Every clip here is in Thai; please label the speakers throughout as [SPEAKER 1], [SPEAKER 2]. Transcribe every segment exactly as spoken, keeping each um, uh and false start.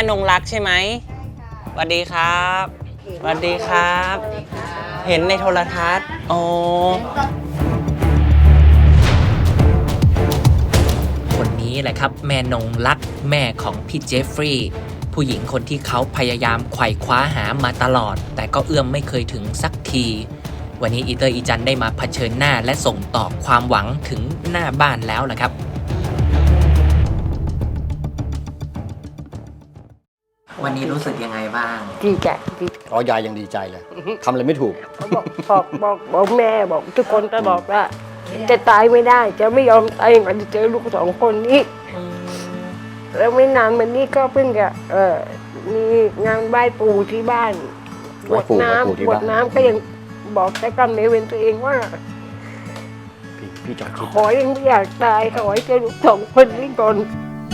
[SPEAKER 1] นงรักใช่ไหมสวัสดีครับสวัสดีครับ เห็นในโทรทัศน์โอ้
[SPEAKER 2] คนนี้แหละครับแม่นงรักแม่ของพี่เจฟฟรีย์ผู้หญิงคนที่เขาพยายามไขว่คว้าหามาตลอดแต่ก็เอื้อมไม่เคยถึงสักทีวันนี้อีเตอร์อีจันได้มาเผชิญหน้าและส่งต่อความหวังถึงหน้าบ้านแล้วล่ะครับวันนี้รู้สึกยังไงบ้าง
[SPEAKER 3] ดีใจดี
[SPEAKER 4] อ๋อยายยังดีใจเลยทำอะไรไม่ถูก
[SPEAKER 3] บอกบอกบอกบอกแม่บอกทุกคนตลอดว่าจะตายไม่ได้จะไม่ยอมตายก่อนจะเจอลูกสองคนนี้แล้วไม่นานมานี้ก็เพิ่งจะเออมีงานไหว้ปู่ที่บ้านกวดน้ำกวดน้ำก็ยังบอกใช้กรรมในเวรตัวเองว่า
[SPEAKER 4] พี่พี่จอดคิด
[SPEAKER 3] ขอยังไม่อยากตายขอให้เจอลูกสองคนนี้ก่อน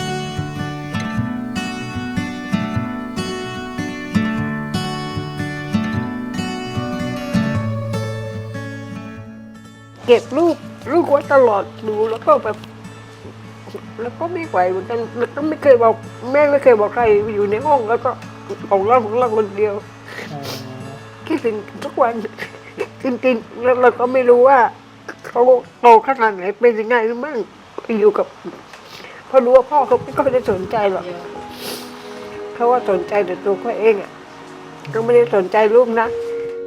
[SPEAKER 3] เก็บลูกลูกไว้ตลอดดูแล้วก็แบบแล้วก็ไม่ไหวเหมือนกันแล้วก็ไม่เคยบอกแม่ไม่เคยบอกใครอยู่ในห้องแล้วก็ของเราของเราคนเดียวคิดถึงทุกวันจริงๆแล้วเราก็ไม่รู้ว่าเขาโตขนาดไหนเป็นยังไงบ้างอยู่กับพอรู้ว่าพ่อเขาไม่ค่อยได้สนใจหรอกเขาว่าสนใจแต่ตัวเขาเองอ่ะก็ไม่ได้สนใจลูกนะ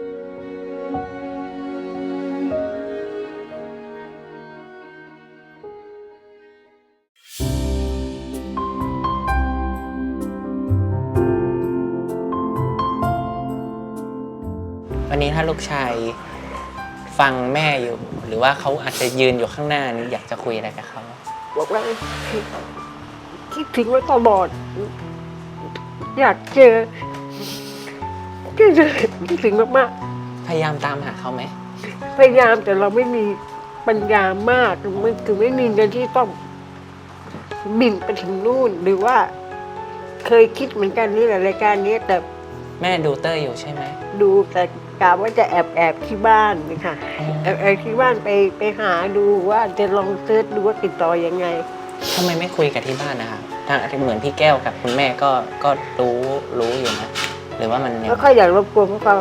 [SPEAKER 1] วันนี้ถ้าลูกชายฟังแม่อยู่หรือว่าเขาอาจจะยืนอยู่ข้างหน้านี้อยากจะคุยอะไรกับเขา
[SPEAKER 3] บอกว่าคิดถึงไว้ตลอดอยากเจอคิดถึงคิดถึงมาก
[SPEAKER 1] ๆพยายามตามหาเขาไหม
[SPEAKER 3] พยายามแต่เราไม่มีปัญญามากมันถึงไม่มีเงินที่ต้องบินไปถึงนู่นหรือว่าเคยคิดเหมือนกันนี่แหละรายการนี้แต่
[SPEAKER 1] แม่ดูเต้ยอยู่ใช่ไหม
[SPEAKER 3] ดูแต่กะว่าจะแอบแอบที่บ้านนะคะแอบแอบที่บ้านไปไปหาดูว่าจะลองเซิร์ชดูว่าติดต่อยังไง
[SPEAKER 1] ทำไมไม่คุยกับที่บ้านนะคะทางเหมือนพี่แก้วกับคุณแม่ก็ก็รู้รู้อยู่นะหรือว่ามัน
[SPEAKER 3] ก็ค่อยอยากรบกวนพวกเขา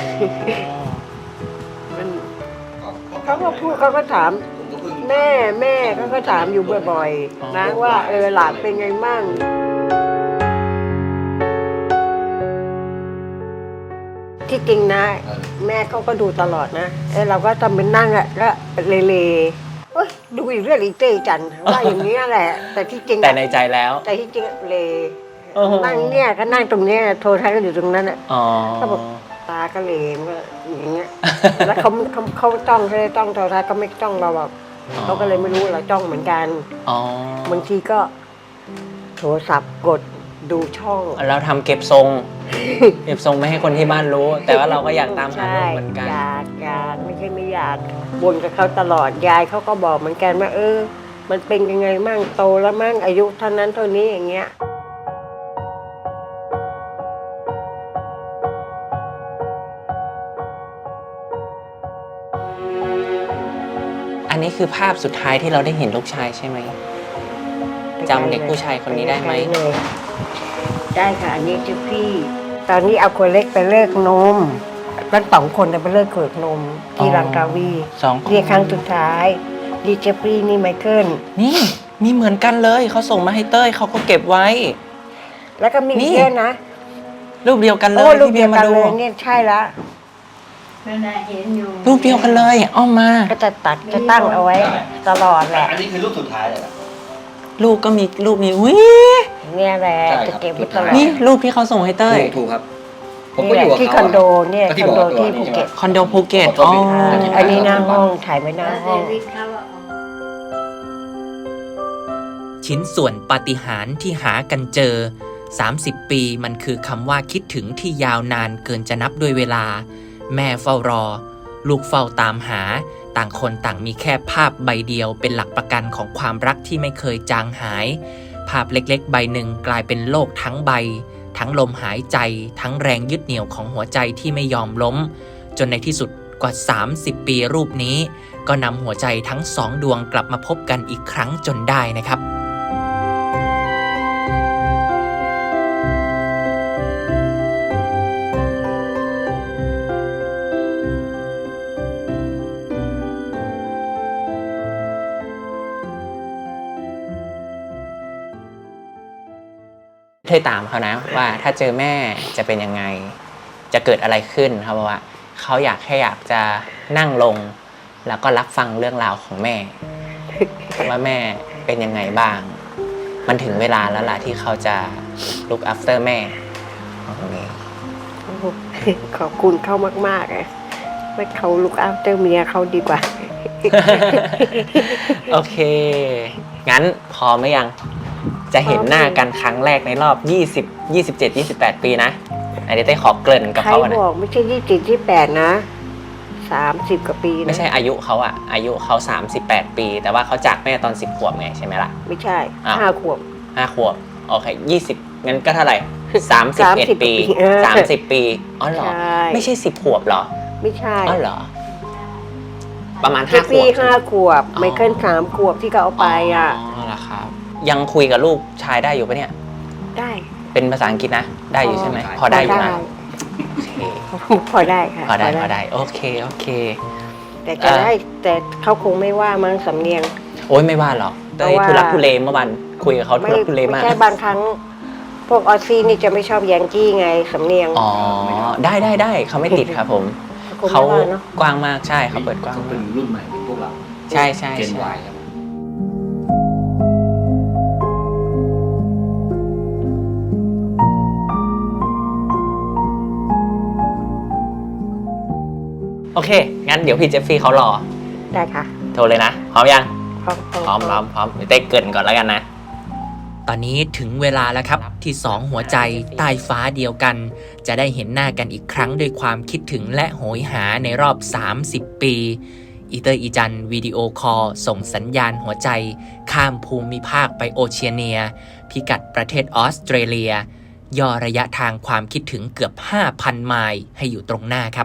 [SPEAKER 3] เขาก็พูดเขาก็ถามแม่แม่เขาก็ถามอยู่บ่อยๆนะว่าเออหลานเป็นไงมั่งที่จริงนะแม่เขาก็ดูตลอดนะเออเราก็ทำเป็นนั่งอ่ะก็เลเลเอ้ยดูอีกเรื่องอีเต้จันว่าอย่างนี้แหละแต่ที่จริง
[SPEAKER 1] แต่ในใจแล้ว
[SPEAKER 3] แต่ที่จริงเลนั่งเนี่ยก็นั่งตรงนี้โทรทัศน์ก็อยู่ตรงนั้นอ่ะก็บอกตาก็เลนก็อย่างเงี้ยแล้วเขาเขาเขาจ้องเขาเลยจ้องโทรทัศน์ก็ไม่จ้องเราแบบเขาก็เลยไม่รู้เราจ้องเหมือนกันบางทีก็โทรศัพท์กดดูช่อง
[SPEAKER 1] เราทำเก็บทรงเก็บทรงไม่ให้คนที่บ้านรู้แต่ว่าเราก็อยากตามหาลูกเหมือนกัน
[SPEAKER 3] อยากอยากไม่ใช่ไม่อยากบ่นกับเขาตลอดยายเขาก็บอกเหมือนกันว่าเออมันเป็นยังไงมั่งโตแล้วมั่งอายุเท่านั้นเท่านี้อย่างเงี้ย
[SPEAKER 1] อันนี้คือภาพสุดท้ายที่เราได้เห็นลูกชายใช่ไหมจำเด็กผู้ชายคนนี้ได้ไหม
[SPEAKER 3] ได้ค่ะอันนี้ชื่อพี่ตอนนี้เอาคนเล็กไปเลิกนมทั้งสองคนไปเลิกเกิดนมที่รังกาวี
[SPEAKER 1] สอง
[SPEAKER 3] นี่ครั้งสุดท้ายดีเจฟฟี่นี่ไมเคิล
[SPEAKER 1] นี่มีเหมือนกันเลยเขาส่งมาให้เต้ยเขาก็เก็บไว้
[SPEAKER 3] แล้วก็มีเยอะนะ
[SPEAKER 1] รูปเดียวกันเลย
[SPEAKER 3] รูปเดียวกันเลยเนี่ยใช่ละ
[SPEAKER 1] รูปเดียวกันเลยอ้อมมา
[SPEAKER 3] ก็จะตัดจะตั้งเอาไว้ตลอดแหละ
[SPEAKER 4] อันนี้คือรูปสุดท้ายเลย
[SPEAKER 1] ลูกก็มีรูปนี้อุ้ย
[SPEAKER 3] เนี่ยแหละจะเก็บไว้ตลอด
[SPEAKER 1] นี่รูปที่เขาส่งให้เต้ย
[SPEAKER 4] ถูกครับผมก็อยู่
[SPEAKER 3] ที่คอนโดเนี่ยคอนโดที่ภูเก็ต
[SPEAKER 1] คอนโดภูเก็ต
[SPEAKER 3] อ๋ออันนี้หน้าห้องถ่ายไว้หน้าห้อง
[SPEAKER 2] ชิ้นส่วนปาฏิหาริย์ที่หากันเจอสามสิบปีมันคือคำว่าคิดถึงที่ยาวนานเกินจะนับด้วยเวลาแม่เฝ้ารอลูกเฝ้าตามหาต่างคนต่างมีแค่ภาพใบเดียวเป็นหลักประกันของความรักที่ไม่เคยจางหายภาพเล็กๆใบหนึ่งกลายเป็นโลกทั้งใบทั้งลมหายใจทั้งแรงยึดเหนี่ยวของหัวใจที่ไม่ยอมล้มจนในที่สุดกว่าสามสิบปีรูปนี้ก็นำหัวใจทั้งสองดวงกลับมาพบกันอีกครั้งจนได้นะครับ
[SPEAKER 1] ช่วยตามเขานะว่าถ้าเจอแม่จะเป็นยังไงจะเกิดอะไรขึ้นเขาบอกว่าเขาอยากแค่อยากจะนั่งลงแล้วก็รับฟังเรื่องราวของแม่ ว่าแม่เป็นยังไงบ้างมันถึงเวลาแล้วล่ะที่เขาจะ look after แม่ตรงนี้
[SPEAKER 3] ขอบคุณเขามากๆเลยว่าเขาลูกอัพเตอร์เมียเขาดีกว่า
[SPEAKER 1] โอเค งั้นพร้อมไหมยัง จะเห็นหน้ากันครั้งแรกในรอบ ยี่สิบ ยี่สิบเจ็ด ยี่สิบแปด ปีนะอันนี้ได้ขอเกริ่นกับ
[SPEAKER 3] ใคร
[SPEAKER 1] เขาอะนะ
[SPEAKER 3] บอกไม่ใช่ยี่สิบยี่สิบแปดนะสามสิบกว่าปีนะ
[SPEAKER 1] ไม่ใช่อายุเขาอะอายุเขาสามสิบแปด ปี แต่ว่าเขาจากแม่ตอนสิบขวบไงใช่ไหมล่ะ
[SPEAKER 3] ไม่ใช่
[SPEAKER 1] อ้าว
[SPEAKER 3] ห้าขวบ
[SPEAKER 1] ห้าขวบ โอเคยี่สิบงั้นก็เท่าไหร่สามสิบเอ็ด ปี
[SPEAKER 3] เออ
[SPEAKER 1] สามสิบ ปี อ๋อเหรอ
[SPEAKER 3] ใช่
[SPEAKER 1] ไม่ใช่สิบขวบเหรอ
[SPEAKER 3] ไม่ใช่
[SPEAKER 1] อ๋อเหรอ ประมาณ
[SPEAKER 3] เจ
[SPEAKER 1] ห้า
[SPEAKER 3] ฟ
[SPEAKER 1] ข
[SPEAKER 3] ฟี่
[SPEAKER 1] วบ
[SPEAKER 3] ห้าขวบ
[SPEAKER 1] อ๋อ
[SPEAKER 3] ไมเคิลสามขวบที่เขาเอาไปอ่ะ
[SPEAKER 1] อ๋อเหรอครับ ยังคุยกับลูกชายได้อยู่ปะเนี่ย
[SPEAKER 3] ได้
[SPEAKER 1] เป็นภาษาอังกฤษนะ ได้อยู่ใช่ไหม พอได้อยู่นะ โอเค
[SPEAKER 3] พอได้ค่ะ
[SPEAKER 1] พอได้ พอได้ โอเค โอเค
[SPEAKER 3] แต่จะได้แต่เขาคงไม่ว่ามั้งสำเนียง
[SPEAKER 1] โอ้ยไม่ว่าหรอกแต่
[SPEAKER 3] เพราะว่า
[SPEAKER 1] ทุลักทุเลเมื่อวันคุยกับเขาทุ
[SPEAKER 3] ไม่
[SPEAKER 1] ลักทุเล
[SPEAKER 3] ไม่
[SPEAKER 1] มาก
[SPEAKER 3] ใช่บางครั้ง พวกออสซี่นี่จะไม่ชอบยังกี้ไงสำเนียง
[SPEAKER 1] อ๋อ ได้ได้ได้เขาไม่ติดครับผม
[SPEAKER 3] คง
[SPEAKER 1] เขา
[SPEAKER 3] ไม่ว่าเนอะ
[SPEAKER 1] กว้างมากใช่เขาเปิดกว้าง
[SPEAKER 4] เขาเป็
[SPEAKER 1] มาน ก
[SPEAKER 4] รุ่นใหม่เป็นพวกเรา
[SPEAKER 1] ใช่ใช่
[SPEAKER 4] เจน
[SPEAKER 1] ใช่
[SPEAKER 4] วายครับ
[SPEAKER 1] โอเค งั้นเดี๋ยวพี่เจฟฟี่เขารอ
[SPEAKER 3] ได้ค่ะ
[SPEAKER 1] โทรเลยนะ พร้อมยัง
[SPEAKER 3] พร้อม
[SPEAKER 1] พร้อมพร้อมพร้อมเดี๋ยวเต้เกรินก่อนแล้วกันนะ
[SPEAKER 2] ตอนนี้ถึงเวลาแล้วครับที่สองหัวใจใต้ฟ้าเดียวกัน จะได้เห็นหน้ากันอีกครั้งด้วยความคิดถึงและโหยหาในรอบ สามสิบ ปี อีเตอร์อีจันวิดีโอคอลส่งสัญญาณหัวใจ ข้ามภูมิภาคไปโอเชียเนีย พิกัดประเทศออสเตรเลีย ย่อระยะทางความคิดถึงเกือบ ห้าพัน ไมล์ให้อยู่ตรงหน้าครับ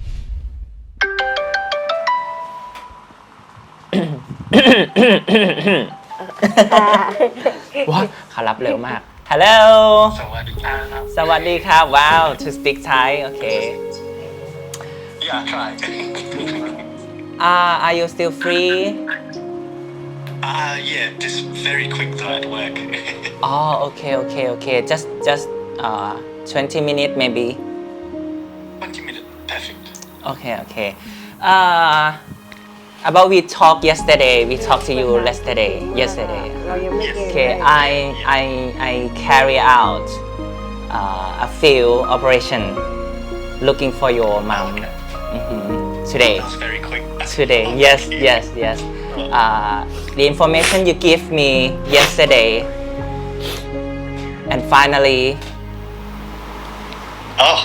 [SPEAKER 1] ว้าเขารับเร็วมาก ฮัลโหล
[SPEAKER 5] สวัสดีครับ
[SPEAKER 1] สวัสดีครับ ว้าว to speak Thai โอเค
[SPEAKER 5] Yeah, try.
[SPEAKER 1] uh, are you still free
[SPEAKER 5] Uh, yeah, just very quick though at work.
[SPEAKER 1] oh okay okay okay just just uh twenty minutes maybe
[SPEAKER 5] twenty minutes, perfect.
[SPEAKER 1] okay okay uh about we talked yesterday we talked to you yesterday yesterday
[SPEAKER 3] เรายังไม่เก่ง
[SPEAKER 1] okay I I I carry out uh, a field operation looking for your mom Mhm. today
[SPEAKER 5] That's very quick.
[SPEAKER 1] today yes yes yes uh, the information you give me yesterday and finally
[SPEAKER 5] Oh.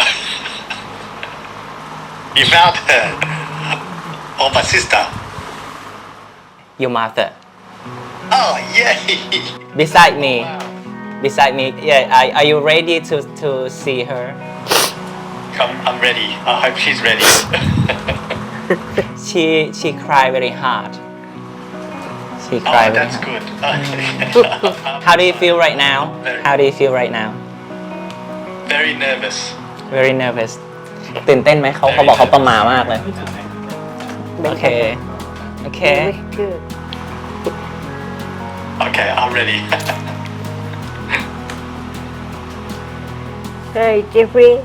[SPEAKER 5] You found her. Oh, my sister.
[SPEAKER 1] your mother
[SPEAKER 5] Oh, yay.
[SPEAKER 1] beside me
[SPEAKER 5] Wow.
[SPEAKER 1] beside me yeah are, are you ready to to see her
[SPEAKER 5] Come, I'm ready. I hope she's ready.
[SPEAKER 1] she she cried very hard she
[SPEAKER 5] Oh,
[SPEAKER 1] cried very
[SPEAKER 5] that's
[SPEAKER 1] hard
[SPEAKER 5] good.
[SPEAKER 1] how do you feel right now
[SPEAKER 5] Very-
[SPEAKER 1] how do you feel right now
[SPEAKER 5] Very nervous.
[SPEAKER 1] very nervous ตื่นเต้นไหมเขาเขาบอกเขาประหม่ามากเลย โอเค โอเค
[SPEAKER 3] ไม่เชื่อ
[SPEAKER 5] Okay, I'm ready.
[SPEAKER 3] เฮ้ยเจฟฟรีย์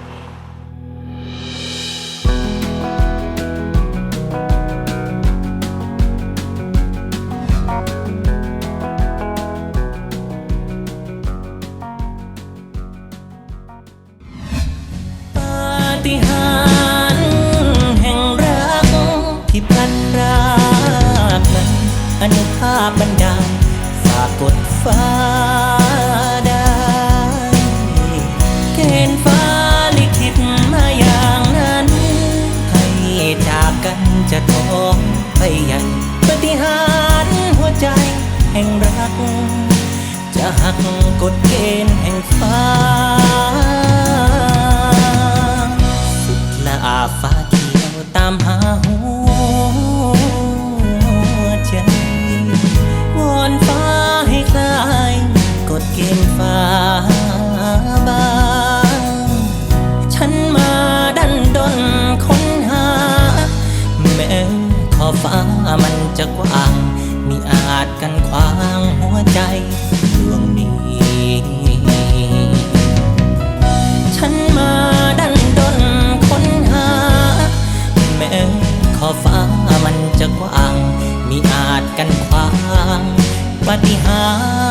[SPEAKER 2] ปาฏิหาริย์แห่งรักที่พลันรากนั้นอนุภาพบันดาลฝากกดฟ้าได้เกณฑ์ฟ้าลิขิตมาอย่างนั้น ให้จากกันจะท้องไปใหญ่ปาฏิหาริย์หัวใจแห่งรัก จะหักกฎเกณฑ์แห่งฟ้า สุดละอาฟ้าเขียวตามหาหัวใจ วอนฟ้าให้คลายกฎเกณฑ์ฟ้าบางฉันมาดันดนค้นหา แม้ขอบฟ้ามันจะกว้างมิอาจกันขวางหัวใจดวงนี้ดกันขวางปาฏิหา